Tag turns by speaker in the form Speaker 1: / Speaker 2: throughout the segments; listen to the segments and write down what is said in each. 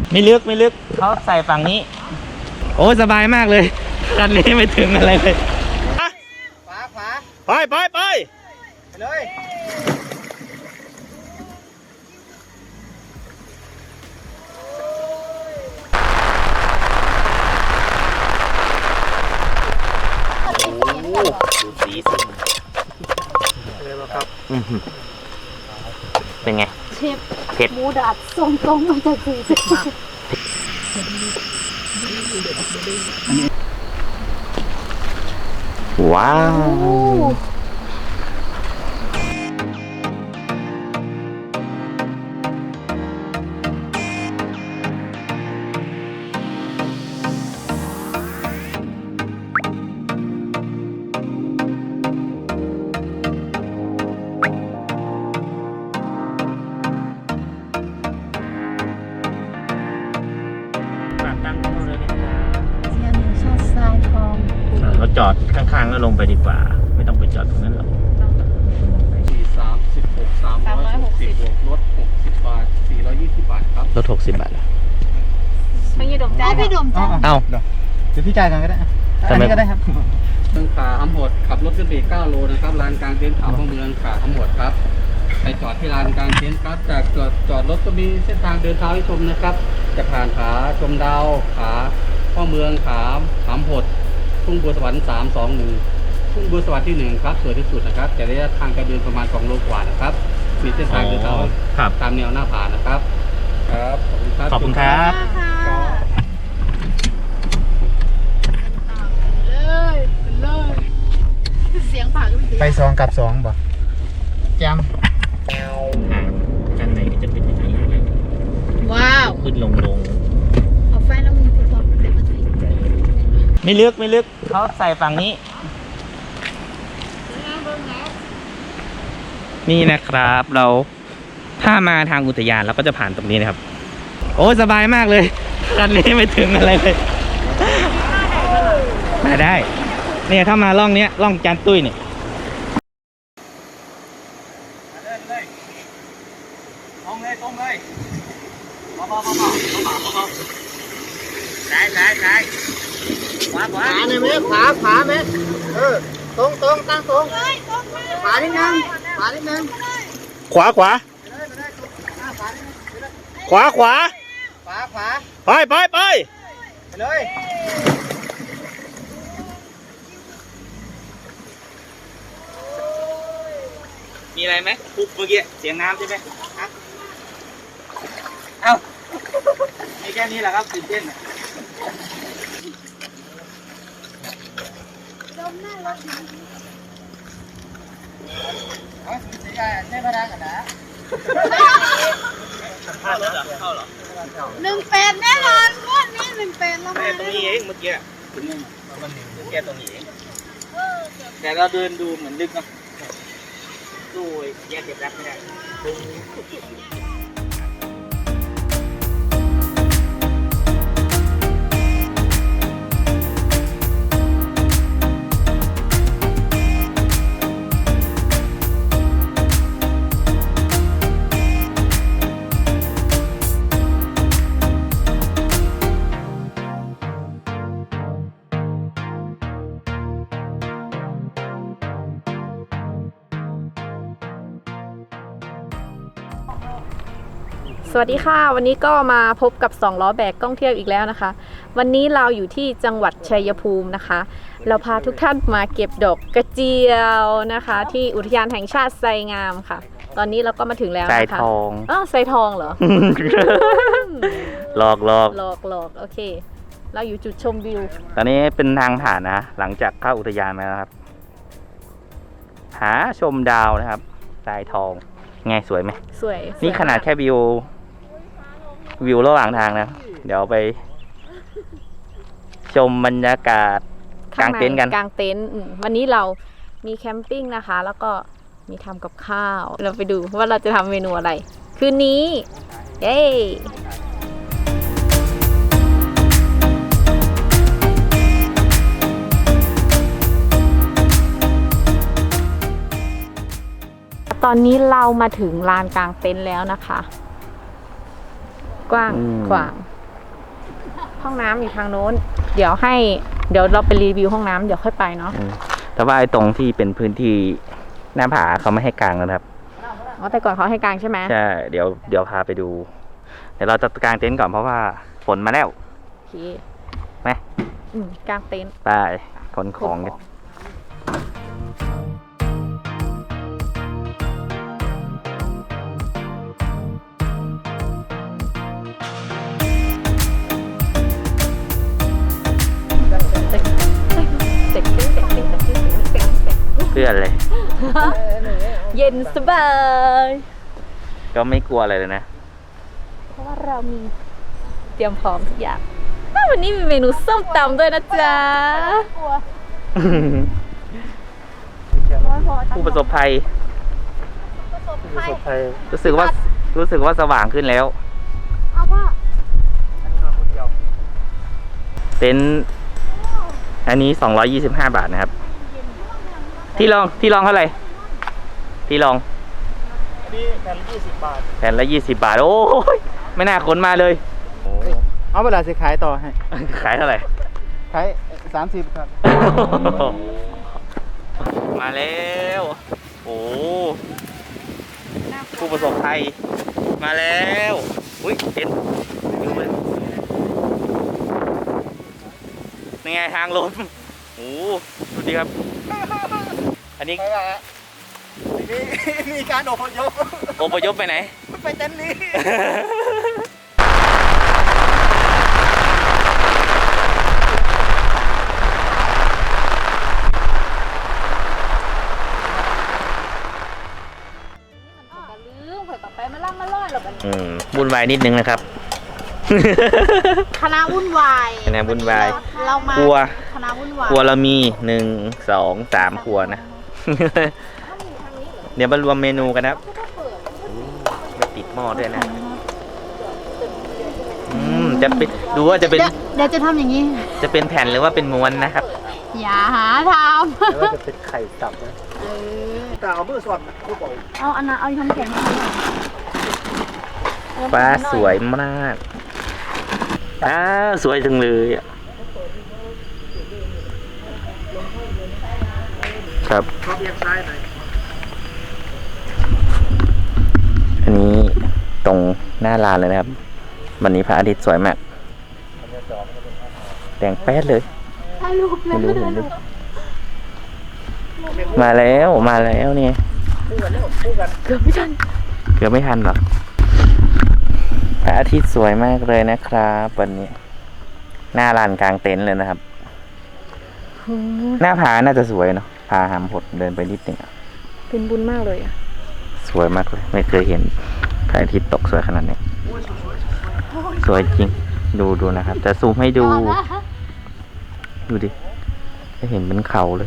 Speaker 1: ไม่ลึกเขาใส่ฝั่งนี้โอ้สบายมากเลยคันนี้ไม่ถึงอะไรเลยขวาไปเลยดูสีสิเป็นไง
Speaker 2: เชฟ
Speaker 1: เผ็ด
Speaker 2: หมูดัดส่งตรงมาจากสีสิ
Speaker 1: ว้าวเราจอดข้างๆแล้วลงไปดีกว่าไม่ต้องไปจอดตรงนั้นหรอก
Speaker 3: 360บวกลด60 บาท420 บาทครับ
Speaker 1: รถ60 บาท
Speaker 2: ไม่ยืดดมใจพี่ดมใจ
Speaker 1: เอ้า
Speaker 4: เดี๋ยวพี่จ่ายกันก็ได้อันนี้ก็ได้ครับ
Speaker 3: เมืองขาหำหดขับรถขึ้นไป9 โลนะครับลานกลางเต็นท์เขาเมืองขาหำหดครับไปจอดที่ลานกลางเต็นท์ครับจากจอดรถก็มีเส้นทางเดินเท้าให้ชมนะครับจะผ่านขาชมดาวขาพ่อเมืองขาหำหดทุ่งบัวสวรรค์321ทุ่งบัวสวรรค์ที่1ครับสวยที่สุดนะครับแต่ระยะทางการเดินประมาณ2 โลกว่านะครับมีเส้นทางเดินเท้าตามแนวหน้าผานะครับครับ
Speaker 1: ขอบคุณครับ
Speaker 2: เลยเสียงผ่า
Speaker 4: ไป2 กับ 2บ่แจม
Speaker 1: กันไหนจะเป็นยังไง
Speaker 2: ว้าว
Speaker 1: ขึ้นลง
Speaker 2: เอาไฟแล้วมึงติดต่อเดี๋ยวมาถ่าย
Speaker 1: ไม่ลึกเขาใส่ฝั่งนี้นี่นะครับเราถ้ามาทางอุทยานเราก็จะผ่านตรงนี้นะครับโอ้สบายมากเลยคันนี้ไม่ถึงอะไรเลยมาได้เนี่ยถ้ามาล่องเนี้ยล่องจานตุ้ยเนี่ย
Speaker 3: ตรงเลยเบา
Speaker 1: ซ้ายขวา
Speaker 4: เนี่ยไหมขวาไหมตรงตั้งตรงขวานิดนึง
Speaker 1: ขวาไป
Speaker 4: เลย
Speaker 1: มีอะไรไหมปุ๊บเมื่อกี้เสียงน้ำใช่ไหมเอ้ามีแค่นี้แหละครับตื่นเต้น
Speaker 4: ใช่พนักงานนะ
Speaker 1: เข้าเหรอ
Speaker 2: 18แน่นอนงวดนี้18แล้ว
Speaker 1: ตรงนี้เองเมื่อกี้ถึงแค่ตรงนี้เองแต่เราเดินดูเหมือนลึกเนาะดูแยกเก็บรักไม่ได้
Speaker 5: สวัสดีค่ะวันนี้ก็มาพบกับ2 ล้อแบกท่องเที่ยวอีกแล้วนะคะ วันนี้เราอยู่ที่จังหวัดชัยภูมินะคะ เราพาทุกท่านมาเก็บดอกกระเจียวนะคะ ที่อุทยานแห่งชาติไซงามค่ะ ตอนนี้เราก็มาถึงแล้วนะคะ
Speaker 1: ไซทอง
Speaker 5: ไซทองเหรอ
Speaker 1: หลอก
Speaker 5: โอเคเราอยู่จุดชมวิว
Speaker 1: ตอนนี้เป็นทางผ่านนะหลังจากเข้าอุทยานมาแล้วครับหาชมดาวนะครับไซทองไงสวยไหม
Speaker 5: สวย
Speaker 1: นี่ขนาดแค่วิวระหว่างทางนะเดี๋ยวไปชมบรรยากาศกลางเต็นท์กัน
Speaker 5: กลางเต็นท์วันนี้เรามีแคมปิ้งนะคะแล้วก็มีทำกับข้าวเราไปดูว่าเราจะทำเมนูอะไรคืนนี้เย้ตอนนี้เรามาถึงลานกลางเต็นท์แล้วนะคะกว้างขวางห้องน้ำอยู่ทางโน้นเดี๋ยวเราไปรีวิวห้องน้ำเดี๋ยวค่อยไปเนาะ
Speaker 1: แต่ว่าไอ้ตรงที่เป็นพื้นที่หน้าผาเขาไม่ให้กางนะครับ
Speaker 5: อ๋อแต่ก่อนเขาให้กางใช่ไหม
Speaker 1: ใช่เดี๋ยวพาไปดูเดี๋ยวเราจะกางเต็นท์ก่อนเพราะว่าฝนมาแล้ว
Speaker 5: โอเค
Speaker 1: ไหม
Speaker 5: กางเต็นท์
Speaker 1: ไปขนของกันเพื่อนเลย
Speaker 5: เย็นสบาย
Speaker 1: ก็ไม่กลัวอะไรเลยนะ
Speaker 5: เพราะว่าเรามีเตรียมพร้อมทุกอย่างวันนี้มีเมนูส้มตำด้วยนะจ๊ะ
Speaker 1: ผู้ประสบภัยรู้สึกว่าสว่างขึ้นแล้วเต็นท์อันนี้225 บาทนะครับที่ลองเท่าไหร่ที่ลอง
Speaker 4: อันนี้แผ่นละ20 บาท
Speaker 1: แผ่นละ20 บาทโอ้ยไม่น่าขนมาเลยโอ้
Speaker 4: เอาเวลาจะขายต่อให้
Speaker 1: ขายเท่าไหร่
Speaker 4: ขาย30 ครับ
Speaker 1: มาแล้วโอ้ผู้ประสบภัยมาแล้วอุ้ยเห็นดูเลยนี่ไงทางลมโอ้ดูดิครับอันนี้
Speaker 4: มีการอพยพ
Speaker 1: ไปไหน
Speaker 4: ไปเต็นท์นี้
Speaker 1: วุ่นวายนิดนึงนะครับ
Speaker 2: คณะวุ่นวาย
Speaker 1: คณะวุ่นวาย
Speaker 2: เรามา
Speaker 1: ครัว
Speaker 2: คณะวุ่นวาย
Speaker 1: ครัวเรามี1 2 3ครัวนะ เดี๋ยวมารวมเมนูกันนะครับไม่ติดหม้อด้วยนะจะเป็นดูว่าจะเป็น
Speaker 2: เดี๋ยวจะทำอย่างนี้
Speaker 1: จะเป็นแผ่นหรือว่าเป็นม้วนนะครับ
Speaker 2: อย่าหาท
Speaker 4: แล้วจะเป็นไข่ตับนะแต่เอามือสอดคู่บอก
Speaker 2: ำเอาอันนั้นเอาทำแข็ง
Speaker 1: ฟ้าสวยมากสวยจังเลยอ่ะครับ
Speaker 4: ชอบเอียงซ้ายหน่อย
Speaker 1: อันนี้ตรงหน้าลานเลยนะครับวันนี้พระอาทิตย์สวยมากแดงแป๊ดเลย
Speaker 2: ถ่ายรูปเลย
Speaker 1: ไม่รู้เห็นหรือมาแล้วเนี่ย
Speaker 5: เกือบไม่ทัน
Speaker 1: เกือบไม่ทันหรอกพระอาทิตย์สวยมากเลยนะครับวันนี้หน้าลานกลางเต็นท์เลยนะครับ หน้าผาน่าจะสวยเนาะพาหามหดเดินไปนิดนึงอะ
Speaker 5: เป็นบุญมากเลยอ่ะ
Speaker 1: สวยมากเลยไม่เคยเห็นพระอาทิตย์ตกสวยขนาดนี้สวยจริงดูนะครับจะซูมให้ดูดิจะเห็นเป็นเขาเลย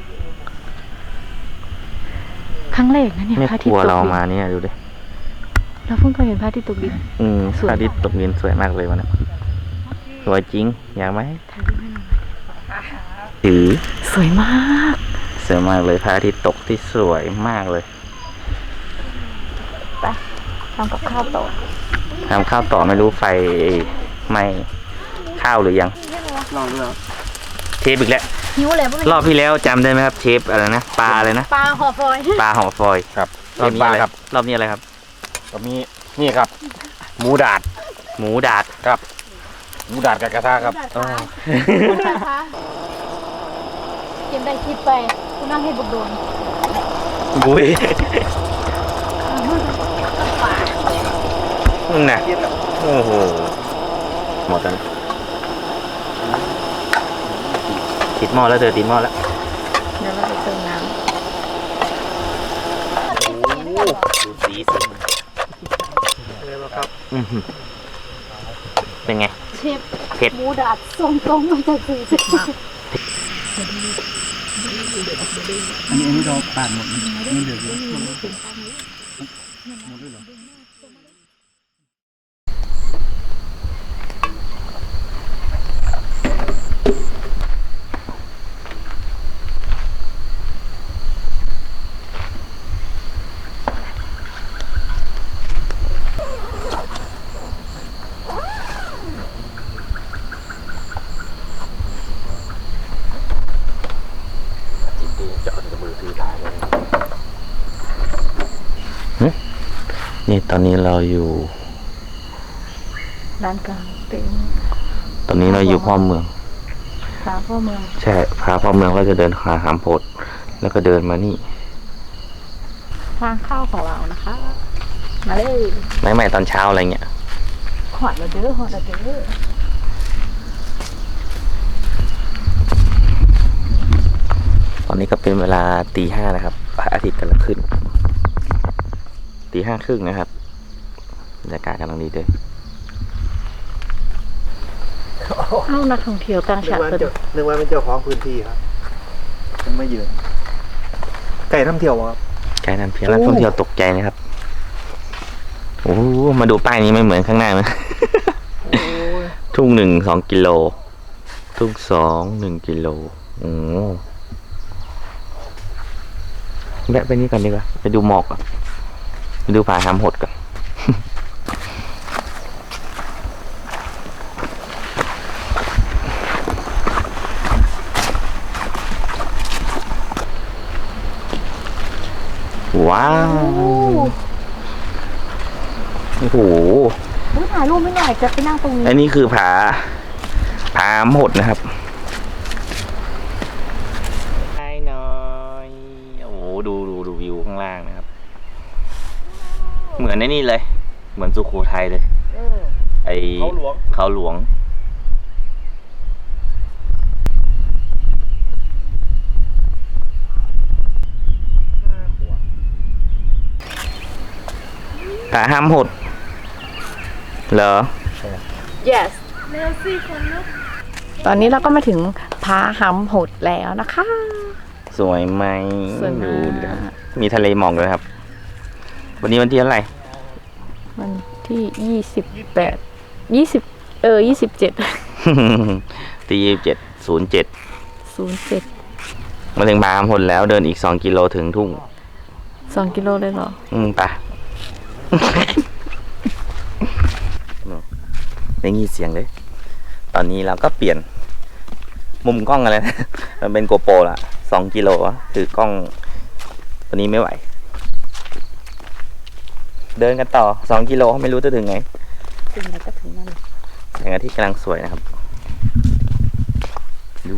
Speaker 5: ครั้งแรกนะเนี่ย
Speaker 1: ไม่
Speaker 5: พระอาทิ
Speaker 1: ก
Speaker 5: ต
Speaker 1: ลัว
Speaker 5: ย์ตก
Speaker 1: เรา
Speaker 5: ดิน
Speaker 1: มาเนี่ยดูดิ
Speaker 5: เราเพิ่งเคยเห็นพระอาทิตย์ตกดิน สวย
Speaker 1: พระอาทิตย์ตกดินสวยมากเลยวันนี้สวยจริงอยากไหมถือ
Speaker 5: สวยมาก
Speaker 1: สวยมากเลยพระอาทิตย์ตกที่สวยมากเลย
Speaker 5: ไปทำกับข้าวต่อ
Speaker 1: ทำข้าวต่อไม่รู้ไฟไหม้ข้าวหรือยัง
Speaker 4: ลองดูแล้ว
Speaker 1: เชฟอีกแล้ว
Speaker 2: หิวเลยพวก
Speaker 1: รอบที่แล้วจำได้ไหมครับเชฟอะไรนะปลาอะไรนะ
Speaker 2: ปลาห่อฟอย
Speaker 1: ปลาห่อฟอยล์
Speaker 4: ครับ
Speaker 1: รอบนี้อะไร
Speaker 4: ครับ
Speaker 1: รอบนี้อะไรครับ
Speaker 4: ก็มีนี่ครับ หมูดาด
Speaker 1: หมูดาด
Speaker 4: ครับ หมูดาดกับกระทะครับ
Speaker 1: อ๋อ
Speaker 2: นะคะกินได้คิดไปคุณนั่งให้บุกโดน
Speaker 1: บุ้ยน่ะโอ้โหหมดแล้วติดหม้อแล้วติดหม้อแล้ว
Speaker 5: เดี๋ยวเราไปเติมน้
Speaker 1: ดูสีสิเป็นไง
Speaker 2: เชฟ
Speaker 1: เผ็ด
Speaker 2: หมูดาดส่งตรงมาจากสีสิบ
Speaker 4: อันนี้เราปั่นหมดมันเดือดอยู่
Speaker 1: นี่ตอนนี้เราอยู่
Speaker 2: ร้านกลางเต็นท์
Speaker 1: ตอนนี้เราอยู่พ่อเมือง
Speaker 2: ขาพ่อเมือง
Speaker 1: ใช่พาพ่อเมืองเราจะเดินหาหามโพดแล้วก็เดินมานี่
Speaker 2: ทางเข้าของเรานะคะ มาเลย
Speaker 1: ไม่ตอนเช้าอะไรเงี้ย
Speaker 2: หอดเราเด้อหอดเราเด้อ
Speaker 1: ตอนนี้ก็เป็นเวลาตีห้านะครับพระอาทิตย์กำลังขึ้นตีห้าครึ่งนะครับบรรยากาศกำลังดีเลย
Speaker 2: เข้านักท่องเที่ยวต่างชาติ
Speaker 4: นึกว่าเป็นเจ้าของพื้นที่ครับมันไม่ยืนไก่ท่องเที่ยวครับ
Speaker 1: ไกด์นำเที่ยวนักท่องเที่ยวตกใจนะครับโอ้โหมาดูป้ายนี้ไม่เหมือนข้างหน้านะ ทุ่ง1 2 กิโลทุ่ง2 1 กิโลโอ้แวะไปนี่ก่อนดีกว่าไปดูหมอกก่อนไปดูผาหามหดก่อน ว้าวโอ้โห
Speaker 2: ถ่ายรูปไม่หน่อยจะไปนั่งตรงนี้
Speaker 1: อันนี้คือผาหามหดนะครับใช่หน่อยโอ้โหดูวิวข้างล่างนะครับ เหมือนในนี่เลย เหมือนสุโขทัยเลยไอเขาหลวงผาหามหดเหรอ
Speaker 2: yes ตอนนี้เราก็มาถึงผาหำโหดแล้วนะคะ
Speaker 1: สวยไหม
Speaker 2: สวยมาก
Speaker 1: ดูดิครับมีทะเลหมอกด้วยครับ วันนี้วันที่เท่าไหร่
Speaker 2: วันที่28 27
Speaker 1: ตี27:07
Speaker 2: 07
Speaker 1: มาถึงผาหามหดแล้วเดินอีก2 กิโลถึงทุ่ง
Speaker 2: 2 กิโลเลยเหรอ
Speaker 1: ไปได้ยินเสียงเลย ตอนนี้เราก็เปลี่ยนมุมกล้องกันเลยนะ มันเป็นโกโปรละ2 กิโลอะถือกล้องตัวนี้ไม่ไหว เดินกันต่อ2 กิโลไม่รู้จะถึงไง
Speaker 2: ถึงแล้วก็ถึงนั่น
Speaker 1: แสงอาทิตย์กำลังสวยนะครับ ดู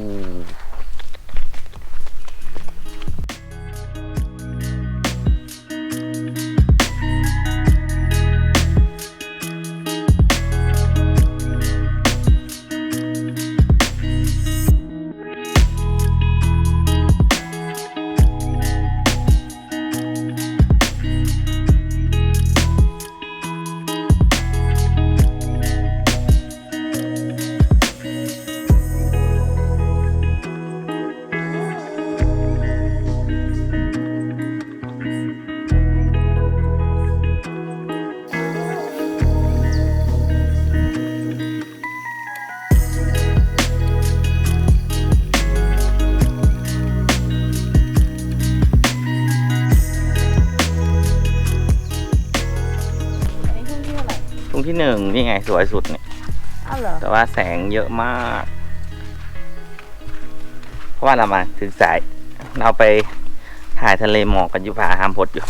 Speaker 1: ตรงที่1นี่ไงสวยสุดเนี่ย
Speaker 2: อ้าวเหรอ
Speaker 1: แต่ว่าแสงเยอะมาก เพราะว่าเรามาถึงสาย เราไปถ่ายทะเลหมอกกันอยู่ผาหามพดอยู่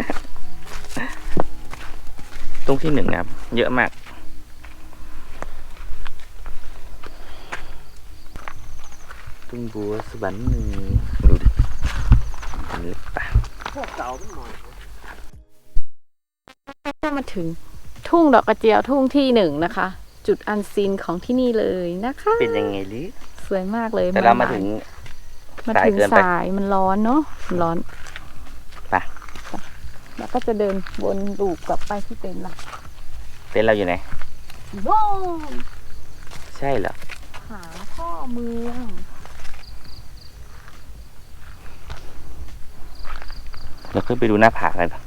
Speaker 1: ตรงที่1นะครับ เยอะมากตุ้งบัวสวรรค์ดูดิเห็นหรือเปล่า
Speaker 2: ก็มาถึงทุ่งดอกกระเจียวทุ่งที่1นะคะ จุดอันซีนของที่นี่เลยนะคะ
Speaker 1: เป็นยังไงลิ
Speaker 2: สวยมากเลย
Speaker 1: แต่เรามาถึง
Speaker 2: มา
Speaker 1: สาย
Speaker 2: ถึง
Speaker 1: เกินไป
Speaker 2: สายมันร้อนเนาะมันร้อน
Speaker 1: ไป
Speaker 2: แล้วก็จะเดินวนลูปกลับไปที่เต็นท์ละ
Speaker 1: เต็นท์เราอยู่ไหน
Speaker 2: โว้
Speaker 1: ใช่เหรอ
Speaker 2: หาพ่อเมือง
Speaker 1: เราขึ้นไปดูหน้าผากันก่อน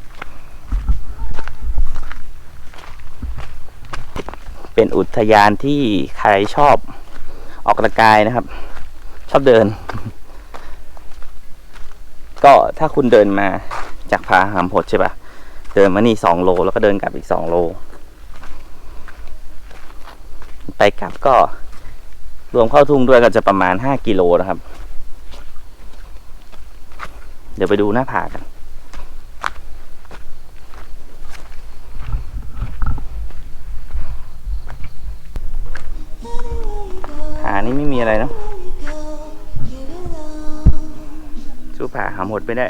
Speaker 1: เป็นอุทยานที่ใครชอบออกกำลังกายนะครับ ชอบเดิน ก็ถ้าคุณเดินมาจากผาหามโหดใช่ปะเดินมานี่2 โลแล้วก็เดินกลับอีก2 โล ไปกลับก็รวมเข้าทุ่งด้วยก็จะประมาณ5 กิโลนะครับ เดี๋ยวไปดูหน้าผากันานี่ไม่มีอะไรเนาะสู้ผาหาหมดไม่ได้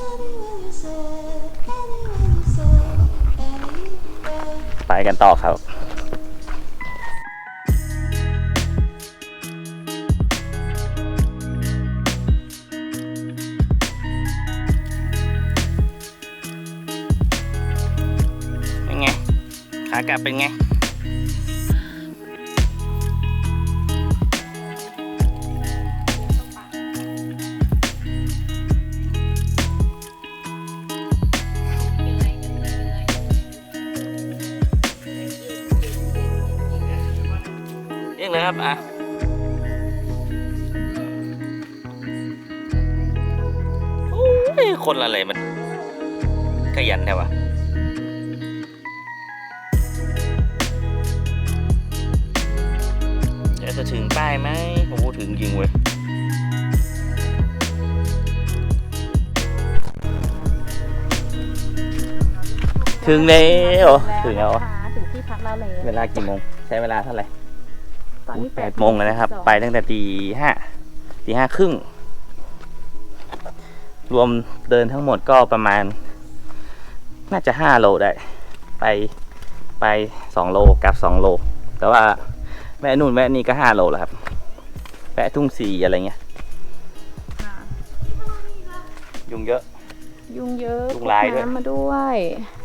Speaker 1: ไปกันต่อครับเป็นไงขากลับเป็นไงเรียกเลยครับอ่ะโอ้ยคนอะไรมันขยันแท้วะเดี๋ยวจะถึงป้ายไหมโอ้โหถึงจริงเว้ยถึงแล้วถึงแล้ว
Speaker 5: ถึงที่พักเราแล้ว
Speaker 1: เวลากี่โมงใช้เวลาเท่าไหร่
Speaker 5: ตอนนี้
Speaker 1: 8 โมงเลยนะครับ ไปตั้งแต่ตี 5 ครึ่ง รวมเดินทั้งหมดก็ประมาณ น่าจะ5 โลได้ ไป2 โลกลับ2 โล แต่ว่าแวะนู่นแวะนี่ก็5 โลแล้วครับแวะทุ่งสีอะไรเงี้ยยุงเยอะ
Speaker 5: ยุงเยอะ
Speaker 1: ยุงลายด้วย
Speaker 5: พกน้ำมาด้วย